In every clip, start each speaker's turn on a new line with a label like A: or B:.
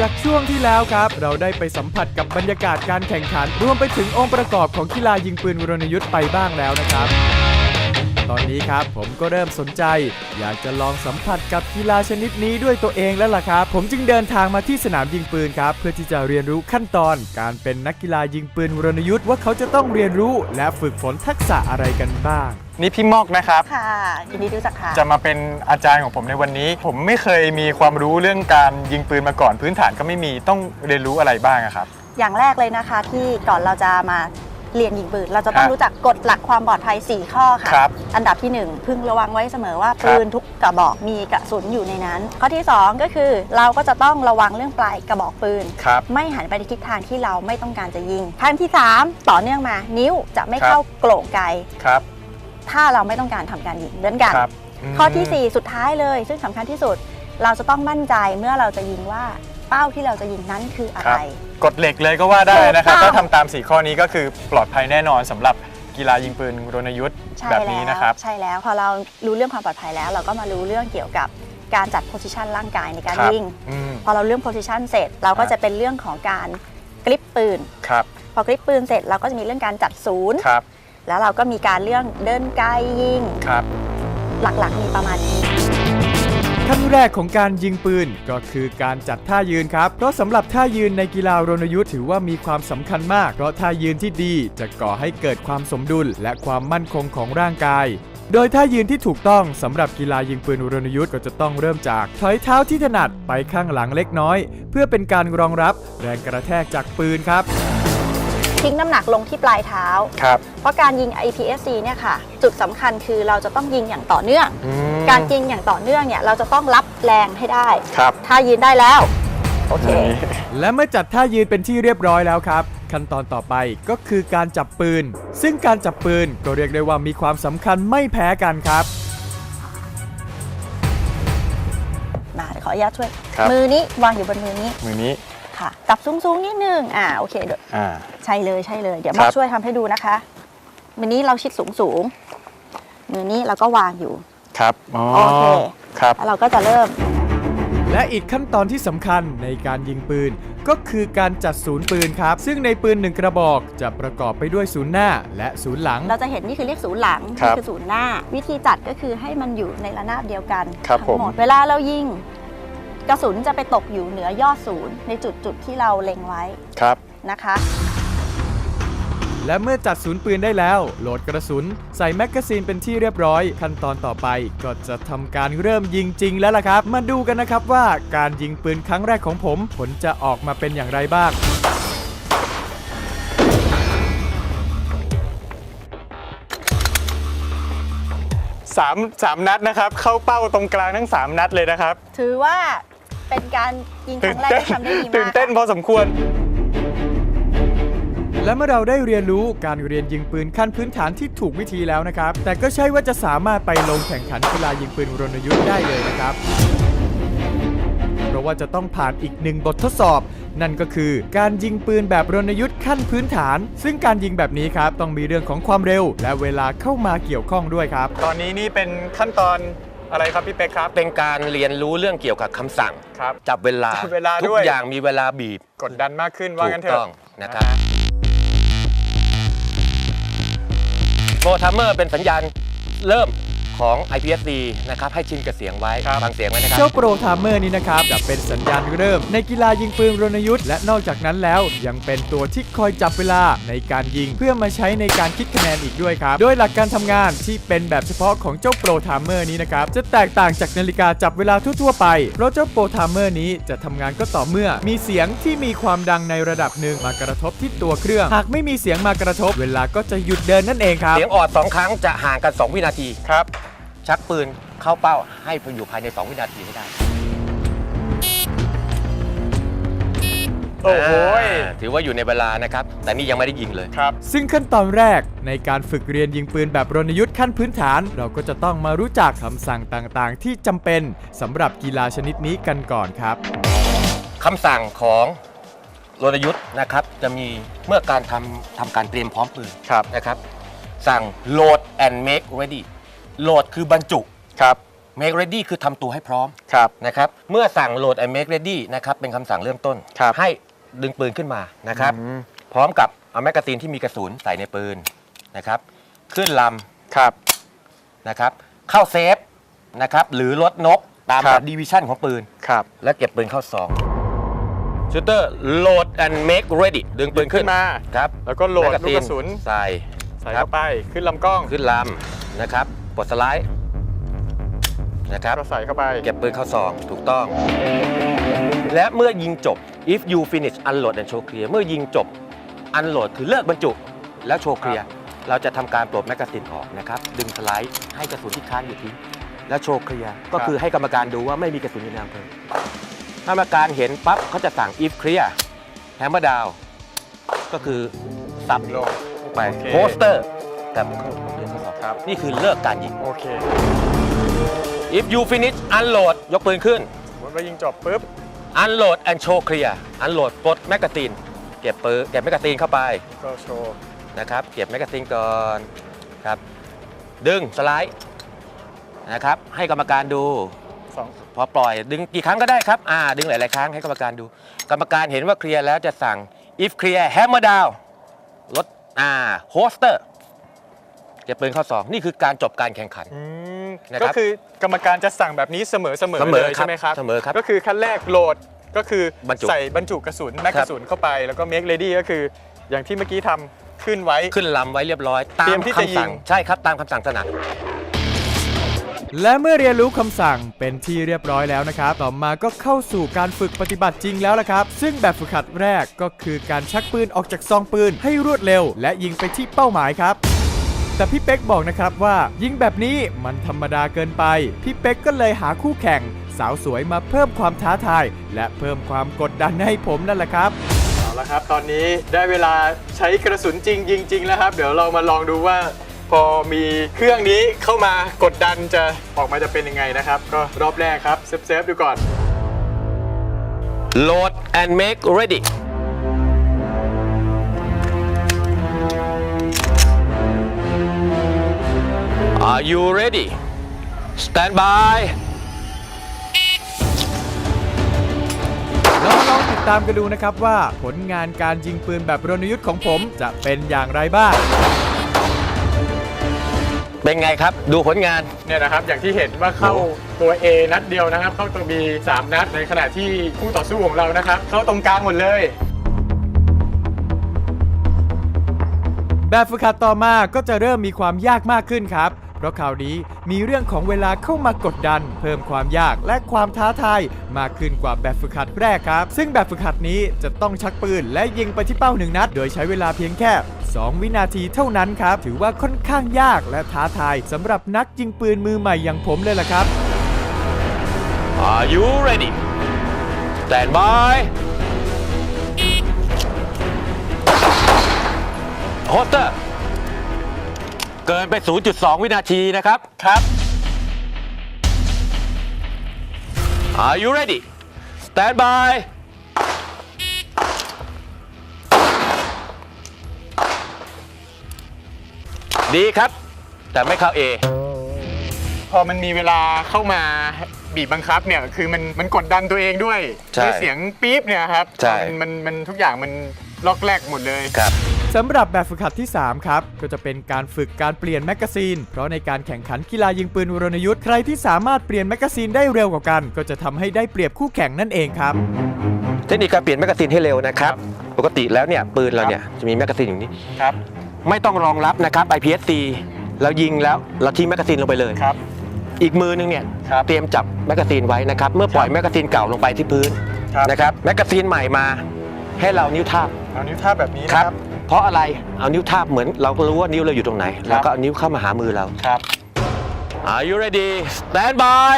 A: จากช่วงที่แล้วครับเราได้ไปสัมผัสกับบรรยากาศการแข่งขันรวมไปถึงองค์ประกอบของกีฬายิงปืนรณยุทธ์ไปบ้างแล้วนะครับตอนนี้ครับผมก็เริ่มสนใจอยากจะลองสัมผัสกับกีฬาชนิดนี้ด้วยตัวเองแล้วล่ะครับผมจึงเดินทางมาที่สนามยิงปืนครับเพื่อที่จะเรียนรู้ขั้นตอนการเป็นนักกีฬายิงปืนรณยุทธ์ว่าเขาจะต้องเรียนรู้และฝึกฝนทักษะอะไรกันบ้างนี่พี่มอกนะครับ
B: ค่ะยินดีรู้จักค่ะ
A: จะมาเป็นอาจารย์ของผมในวันนี้ผมไม่เคยมีความรู้เรื่องการยิงปืนมาก่อนพื้นฐานก็ไม่มีต้องเรียนรู้อะไรบ้างครับ
B: อย่างแรกเลยนะคะที่ก่อนเราจะมาเรียนยิงปืนเราจะต้องรู้จักกฎหลักความปลอดภัย4ข้อค่ะอันดับที่1พึงระวังไว้เสมอว่าปืนทุกกระบอกมีกระสุนอยู่ในนั้นข้อที่2ก็คือเราก็จะต้องระวังเรื่องปลายกระบอกปืนไม่หันไปในทิศทางที่เราไม่ต้องการจะยิงขั้นที่3ต่อเนื่องมานิ้วจะไม่เข้าโกร่งไกถ้าเราไม่ต้องการทำการยิงเหมือนกันข้อที่4สุดท้ายเลยซึ่งสำคัญที่สุดเราจะต้องมั่นใจเมื่อเราจะยิงว่าเป้าที่เราจะยิงนั้นคืออะไร
A: กฎเหล็กเลยก็ว่าได้นะครับถ้าทำตาม4ข้อนี้ก็คือปลอดภัยแน่นอนสำหรับกีฬายิงปืนรณยุทธ์แบบนี้นะครับ
B: ใช่แล้วพอเรารู้เรื่องความปลอดภัยแล้วเราก็มารู้เรื่องเกี่ยวกับการจัดโพสิชันร่างกายในการยิงพอเราเรื่องโพสิชันเสร็จเราก็จะเป็นเรื่องของการกริปปืนพอกริปปืนเสร็จเราก็จะมีเรื่องการจัดศูนย์แล้วเราก็มีการเรื่องเดินไกลยิงหลักๆมีประมาณนี้
A: ขั้นแรกของการยิงปืนก็คือการจัดท่ายืนครับเพราะสำหรับท่ายืนในกีฬารณยุทธ์ถือว่ามีความสำคัญมากเพราะท่ายืนที่ดีจะก่อให้เกิดความสมดุลและความมั่นคงของร่างกายโดยท่ายืนที่ถูกต้องสำหรับกีฬายิงปืนรณยุทธ์ก็จะต้องเริ่มจากถอยเท้าที่ถนัดไปข้างหลังเล็กน้อยเพื่อเป็นการรองรับแรงกระแทกจากปืนครับ
B: ทิ้งน้ำหนักลงที่ปลายเท้าเพราะการยิง IPSC เนี่ยค่ะจุดสำคัญคือเราจะต้องยิงอย่างต่อเนื่องการยิงอย่างต่อเนื่องเนี่ยเราจะต้องรับแรงให้ได้ถ้ายืนได้แล้วโอเค
A: และเมื่อจัดท่ายืนเป็นที่เรียบร้อยแล้วครับขั้นตอนต่อไปก็คือการจับปืนซึ่งการจับปืนก็เรียกได้ว่ามีความสำคัญไม่แพ้กันครับ
B: มาขออนุญาตช่วยมือนี้วางอยู่บนมือนี้ค่ะจับสูงๆนิดนึงโอเคเดี๋ยวใช่เลยเดี๋ยวมาช่วยทำให้ดูนะคะมือนี้เราชิดสูงมือนี้เราก็วางอยู่
A: ครับ
B: โอเคแล้วเราก็จะเริ่ม
A: และอีกขั้นตอนที่สำคัญในการยิงปืนก็คือการจัดศูนย์ปืนครับซึ่งในปืน1กระบอกจะประกอบไปด้วยศูนย์หน้าและศูนย์หลัง
B: เราจะเห็นนี่คือเรียกศูนย์หลังนี่คือศูนย์หน้าวิธีจัดก็คือให้มันอยู่ในระนาบเดียวกันทั้งหมดเวลาเรายิงกระสุนจะไปตกอยู่เหนือยอดศูนย์ในจุดที่เราเล็งไว้นะคะ
A: และเมื่อจัดศูนย์ปืนได้แล้วโหลดกระสุนใส่แมกกาซีนเป็นที่เรียบร้อยขั้นตอนต่อไปก็จะทำการเริ่มยิงจริงแล้วล่ะครับมาดูกันนะครับว่าการยิงปืนครั้งแรกของผมผลจะออกมาเป็นอย่างไรบ้าง3 นัดนะครับเข้าเป้าตรงกลางทั้ง3 นัดเลยนะครับ
B: ถือว่าเป็นการยิงครั้งแรกที่ทำได้ดีมาก
A: ตื่นเต้นพอสมควรและเมื่อเราได้เรียนรู้การเรียนยิงปืนขั้นพื้นฐานที่ถูกวิธีแล้วนะครับแต่ก็ใช่ว่าจะสามารถไปลงแข่งขันกีฬายิงปืนรณยุทธ์ได้เลยนะครับเพราะว่าจะต้องผ่านอีก1บททดสอบนั่นก็คือการยิงปืนแบบรณยุทธ์ขั้นพื้นฐานซึ่งการยิงแบบนี้ครับต้องมีเรื่องของความเร็วและเวลาเข้ามาเกี่ยวข้องด้วยครับตอนนี้นี่เป็นขั้นตอนอะไรครับพี่เป๊กครับ
C: เป็นการเรียนรู้เรื่องเกี่ยวกับคำสั่งจับเวลาทุกอย่างมีเวลาบีบ
A: กดดันมากขึ้นว่างั้นเถอะ
C: ถูกต้องนะครับโปรทัมเมอร์เป็นสัญญาณเริ่มของ IPSC นะครับให้ชินกับเสียงไว้ฟังเสียงไว้นะครับ
A: เจ้าโปรทัมเมอร์นี้นะครับจะเป็นสัญญาณเริ่มในกีฬายิงปืนรณยุทธ์และนอกจากนั้นแล้วยังเป็นตัวที่คอยจับเวลาในการยิงเพื่อมาใช้ในการคิดคะแนนอีกด้วยครับโดยหลักการทำงานที่เป็นแบบเฉพาะของเจ้าโปรทัมเมอร์นี้นะครับจะแตกต่างจากนาฬิกาจับเวลาทั่วๆไปเพราะเจ้าโปรทัมเมอร์นี้จะทำงานก็ต่อเมื่อมีเสียงที่มีความดังในระดับหนึ่งมากระทบที่ตัวเครื่องหากไม่มีเสียงมากระทบเวลาก็จะหยุดเดินนั่นเองครับ
C: เสียงออด2 ครั้งจะห่างกัน2 วินาที
A: ครับ
C: ชักปืนเข้าเป้าให้อยู่ภายใน2 วินาทีให้ได้
A: โอ้โห
C: ถือว่าอยู่ในเวลานะครับแต่นี่ยังไม่ได้ยิงเลย
A: ครับซึ่งขั้นตอนแรกในการฝึกเรียนยิงปืนแบบรณยุทธ์ขั้นพื้นฐานเราก็จะต้องมารู้จักคำสั่งต่างๆที่จำเป็นสำหรับกีฬาชนิดนี้กันก่อนครับ
C: คำสั่งของรณยุทธ์นะครับจะมีเมื่อการทำการเตรียมพร้อมปืนนะครับสั่ง load and make readyโหลดคือบรรจุ make ready คือทำตัวให้พร้อม
A: ครับ
C: นะครับเมื่อสั่ง load and make ready นะครับเป็นคำสั่งเริ่มต้น
A: ครับ
C: ให้ดึงปืนขึ้นมานะครับพร้อมกับเอาแมกกาซีนที่มีกระสุนใส่ในปืนนะครับขึ้นล
A: ครับ
C: ำนะครับเข้าเซฟนะครับหรือลดนกตาม
A: ครับ
C: ดีวิชั่นของปืน
A: ครับ
C: และเก็บปืนเข้าซองชูเตอร์ load and make ready ดึงปืนขึ้น
A: มา
C: ครับ
A: แล้วก็โหลด
C: แม
A: ลูกกระสุน
C: ใส่
A: ใส่
C: ครั
A: เข้าไปขึ้นลำกล้อง
C: ขึ้นลำนะครับปลดสไลด์นะครับ
A: ก็ใส่เข้าไป
C: เก็บปืนเข้าซองถูกต้อง และเมื่อยิงจบ if you finish unload and show clear เมื่อยิงจบ unload คือเลิกบรรจุแล้วโชว์เคลียร์เราจะทำการปลดแมกกาซีนออกนะครับดึงสไลด์ให้กระสุนที่ค้างอยู่ทิ้งแล้วโชว์เคลียร์ก็คือให้กรรมการดูว่าไม่มีกระสุนอยู่ในอำเภอถ้ากรรมการเห็นปั๊บเขาจะสั่ง if clear hammer down ก็คือสับ
A: ลง
C: ไป
A: โอเค
C: โพสเตอร์แต่ผมเข้าเรียนทดสอบ
A: ครับ
C: นี่คือเลิกการยิง
A: โอเค
C: if you finish unload ยกปืนขึ้น
A: สมมติว่ายิงจบปุ๊บ
C: unload and show clear unload ปลดแมกกาซีนเก็บปืนเก็บแมกกาซีนเข้าไป
A: ก็โชว์
C: นะครับเก็บแมกกาซีนก่อนครับดึงสไลด์นะครับให้กรรมการดู
A: สอง
C: พอปล่อยดึงกี่ครั้งก็ได้ครับดึงหลายๆครั้งให้กรรมการดู กรรมการเห็นว่าเคลียร์แล้วจะสั่ง if clear hammer down ลดโฮสเตอร์เก็บปืนเข้าซองนี่คือการจบการแข่งขัน นะครับ
A: ก็คือกรรมการจะสั่งแบบนี้เสมอ
C: เสมอ
A: เลย
C: ครับ
A: ใช่ไหมครับ
C: เสมอครับ
A: ก็คือขั้นแรกโหลดก็คือบ
C: รรจุ
A: ใส่บรรจุกระสุนแม็ก
C: ครั
A: ก
C: บ
A: ระสุนเข้าไปแล้วก็ make ready ก็คืออย่างที่เมื่อกี้ทำขึ้นไว้
C: ขึ้นลำไว้เรียบร้อยตา
A: เตรี
C: ม
A: ยมที่จะ
C: คำสั่ง
A: ยิง
C: ใช่ครับตามคำสั่งถนัด
A: และเมื่อเรียนรู้คำสั่งเป็นที่เรียบร้อยแล้วนะครับต่อมาก็เข้าสู่การฝึกปฏิบัติจริงแล้วละครับซึ่งแบบฝึกหัดแรกก็คือการชักปืนออกจากซองปืนให้รวดเร็ว และยิงไปที่เป้าหมายครับแต่พี่เป๊กบอกนะครับว่ายิงแบบนี้มันธรรมดาเกินไปพี่เป๊กก็เลยหาคู่แข่งสาวสวยมาเพิ่มความท้าทายและเพิ่มความกดดันให้ผมนั่นแหละครับเอาละครับตอนนี้ได้เวลาใช้กระสุนจริงยิงจริงแล้วครับเดี๋ยวเรามาลองดูว่าพอมีเครื่องนี้เข้ามากดดันจะออกมาจะเป็นยังไงนะครับก็รอบแรกครับเซฟดูก่อน
C: load and make ready Are you ready? Stand by.
A: เรามาลองติดตามกันดูนะครับว่าผลงานการยิงปืนแบบรณยุทธ์ของผมจะเป็นอย่างไรบ้าง
C: เป็นไงครับ ดูผลงาน
A: เนี่ยนะครับอย่างที่เห็นว่าเข้าตัว A นัดเดียวนะครับ เข้าตัว B 3 นัดในขณะที่คู่ต่อสู้ของเรานะครับ เข้าตรงกลางหมดเลย แบบฝึกหัดต่อมาก็จะเริ่มมีความยากมากขึ้นครับ เพราะคราวนี้มีเรื่องของเวลาเข้ามากดดัน เพิ่มความยากและความท้าทายมากขึ้นกว่าแบบฝึกหัดแรกครับ ซึ่งแบบฝึกหัดนี้จะต้องชักปืนและยิงไปที่เป้า1 นัด โดยใช้เวลาเพียงแค่ 2 วินาทีเท่านั้นครับ ถือว่าค่อนข้างยากและท้าทายสำหรับนักยิงปืนมือใหม่อย่างผมเลยล่ะครับ
C: Are you ready? Stand by. Holster เกินไป 0.2 วินาทีนะครับ
A: ครับ
C: Are you ready? Stand by. ดีครับ แต่ไม่เข้า A
A: พอมันมีเวลาเข้ามาบีบบังคับเนี่ยคือมันกดดันตัวเองด้วย
C: ใช่
A: ด้วยเสียงปี๊บเนี่ยครับ
C: ใช่
A: มันทุกอย่างมันล็อกแรกหมดเลย
C: ครับ
A: สำหรับแบบฝึกหัดที่ 3 ครับ ก็จะเป็นการฝึกการเปลี่ยนแมกกาซีน เพราะในการแข่งขันกีฬายิงปืนรณยุทธ์ใครที่สามารถเปลี่ยนแมกกาซีนได้เร็วกว่ากัน ก็จะทำให้ได้เปรียบคู่แข่งนั่นเองครับ
C: เทคนิคการเปลี่ยนแมกกาซีนให้เร็วนะครับ ปกติแล้วเนี่ยปืนเราเนี่ยจะมีแมกกาซีนอย่างนี้
A: ครับ
C: ไม่ต้องรองรับนะครับ IPSC เรายิงแล้วเราทิ้งแมกกาซีนลงไปเลย
A: ครับ
C: อีกมือนึงเนี่ย
A: ครับ
C: เตรียมจับแมกกาซีนไว้นะครับ เมื่อปล่อยแมกกาซีนเก่าลงไปที่พื้น
A: ครับ
C: นะครับแมกกาซีนใหม่มาให้เรานิ้วทาบ
A: เอานิ้วท่าบแบบนี้
C: ค
A: นะ
C: รับ
A: ครับ
C: เพราะอะไรเอานิ้วทาบเหมือนเราก็รู้ว่านิ้วเราอยู่ตรงไหน
A: ครับ
C: แล้วก็เอานิ้วเข้ามาหามือเรา
A: ครับ
C: Are you ready? Stand by.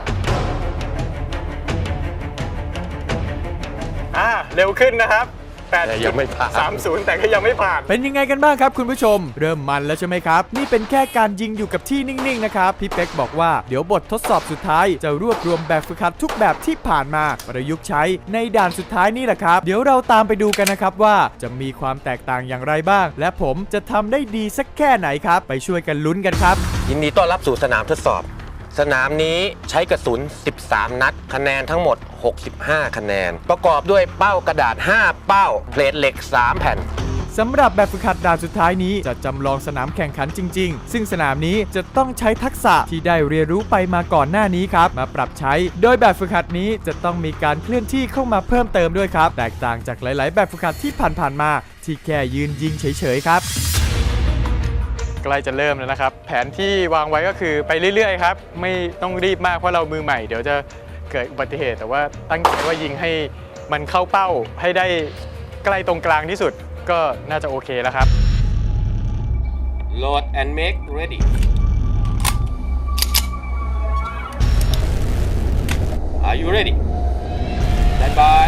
A: À, เร็วขึ้นนะครับ แ
C: ยังไม่ผ่าน
A: 30 แต่ก็ยังไม่ผ่านเป็นยังไงกันบ้างครับคุณผู้ชมเริ่มมันแล้วใช่ไหมครับนี่เป็นแค่การยิงอยู่กับที่นิ่งๆนะครับพี่เป๊กบอกว่าเดี๋ยวบททดสอบสุดท้ายจะรวบรวมแบบฝึกหัดทุกแบบที่ผ่านมาประยุกต์ใช้ในด่านสุดท้ายนี่แหละครับเดี๋ยวเราตามไปดูกันนะครับว่าจะมีความแตกต่างอย่างไรบ้างและผมจะทำได้ดีสักแค่ไหนครับไปช่วยกันลุ้นกันครับ
C: ยินดีต้อนรับสู่สนามทดสอบสนามนี้ใช้กระสุน13นัดคะแนนทั้งหมด65คะแนนประกอบด้วยเป้ากระดาษ5เป้าเพลทเหล็ก3แผ่น
A: สำหรับแบบฝึกหัดด่านสุดท้ายนี้จะจำลองสนามแข่งขันจริงๆซึ่งสนามนี้จะต้องใช้ทักษะที่ได้เรียนรู้ไปมาก่อนหน้านี้ครับมาปรับใช้โดยแบบฝึกหัดนี้จะต้องมีการเคลื่อนที่เข้ามาเพิ่มเติมด้วยครับแตกต่างจากหลายๆแบบฝึกหัดที่ผ่านๆมาที่แค่ยืนยิงเฉยๆครับใกล้จะเริ่มแล้วนะครับแผนที่วางไว้ก็คือไปเรื่อยๆครับไม่ต้องรีบมากเพราะเรามือใหม่เดี๋ยวจะเกิดอุบัติเหตุแต่ว่าตั้งใจว่ายิงให้มันเข้าเป้าให้ได้ใกล้ตรงกลางที่สุดก็น่าจะโอเคแล้วครับ
C: Load and make ready Are you ready Stand by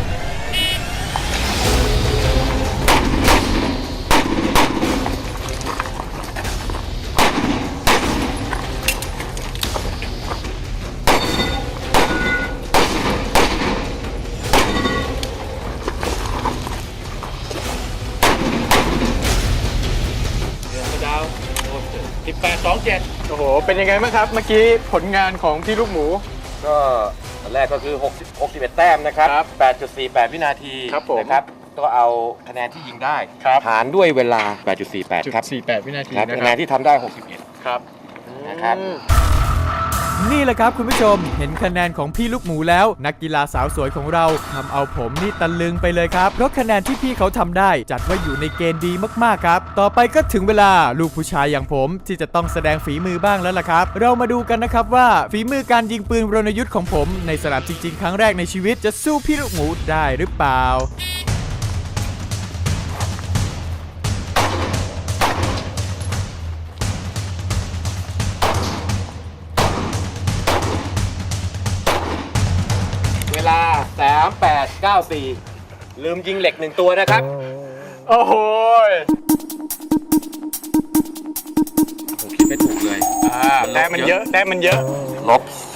A: โอ้โหเป็นยังไงบ้างครับเมื่อกี้ผลงานของพี่ลูกหมู
C: ก็อันแรกก็คือ61แต้มนะครับ 8.48 วินาทีนะครับก็เอาคะแนนที่ยิงได้หารด้วยเวลา 8.48 ครับ
A: 48 วินาที
C: ครับ
A: นะ
C: คะแนนที่ทำได้ 61
A: ครับ
C: นะครับ
A: นี่แหละครับคุณผู้ชมเห็นคะแนนของพี่ลูกหมูแล้วนักกีฬาสาวสวยของเราทำเอาผมนี่ตะลึงไปเลยครับเพราะคะแนนที่พี่เขาทำได้จัดว่าอยู่ในเกณฑ์ดีมากๆครับต่อไปก็ถึงเวลาลูกผู้ชายอย่างผมที่จะต้องแสดงฝีมือบ้างแล้วล่ะครับเรามาดูกันนะครับว่าฝีมือการยิงปืนรณยุทธ์ของผมในสนามจริงๆครั้งแรกในชีวิตจะสู้พี่ลูกหมูได้หรือเปล่า
C: เวลา 3894 ลืมยิงเหล็ก1ตัวนะครับ
A: โอ้โห
C: ผมคิดไม่ถูกเลย
A: แต้มมันเยอะแต้มมันเยอะ
C: -10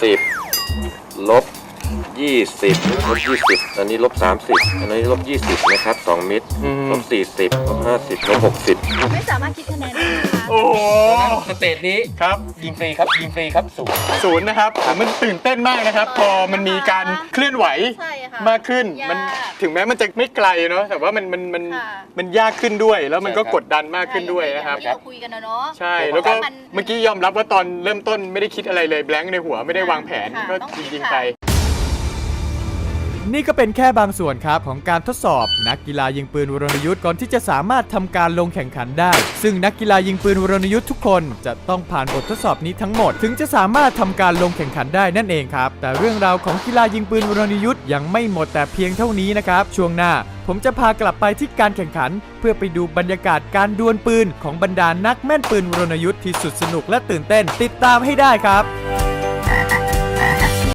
C: -20 -20 อันนี้-30 อันนี้-20 นะครับ2มิตร-40 -50 -60
B: ไม่สามารถคิดคะแนนได้นะคะ
A: โอ้โห
C: สเตจนี้
A: ครับ
C: ยิงฟรีครับยิงฟรีครับ
A: ศูนย์นะครับมันตื่นเต้นมากนะครับพอมันมีการเคลื่อนไหวมากขึ้นมันถึงแม้มันจะไม่ไกลเนาะแต่ว่ามันยากขึ้นด้วยแล้วมันก็กดดันมากขึ้นด้วยนะครับ
B: เราคุยกันนะเนาะ
A: ใช่แล้วก็เมื่อกี้ยอมรับว่าตอนเริ่มต้นไม่ได้คิดอะไรเลยแบงค์ในหัวไม่ได้วางแผนก็ยิงไปนี่ก็เป็นแค่บางส่วนครับของการทดสอบนักกีฬายิงปืนวรณยุทธ์ก่อนที่จะสามารถทำการลงแข่งขันได้ซึ่งนักกีฬายิงปืนวรณยุทธ์ทุกคนจะต้องผ่านบททดสอบนี้ทั้งหมดถึงจะสามารถทำการลงแข่งขันได้นั่นเองครับแต่เรื่องราวของกีฬายิงปืนวรณยุทธ์ยังไม่หมดแต่เพียงเท่านี้นะครับช่วงหน้าผมจะพากลับไปที่การแข่งขันเพื่อไปดูบรรยากาศการดวลปืนของบรรดานักแม่นปืนวรณยุทธ์ที่สุดสนุกและตื่นเต้นติดตามให้ได้ครับ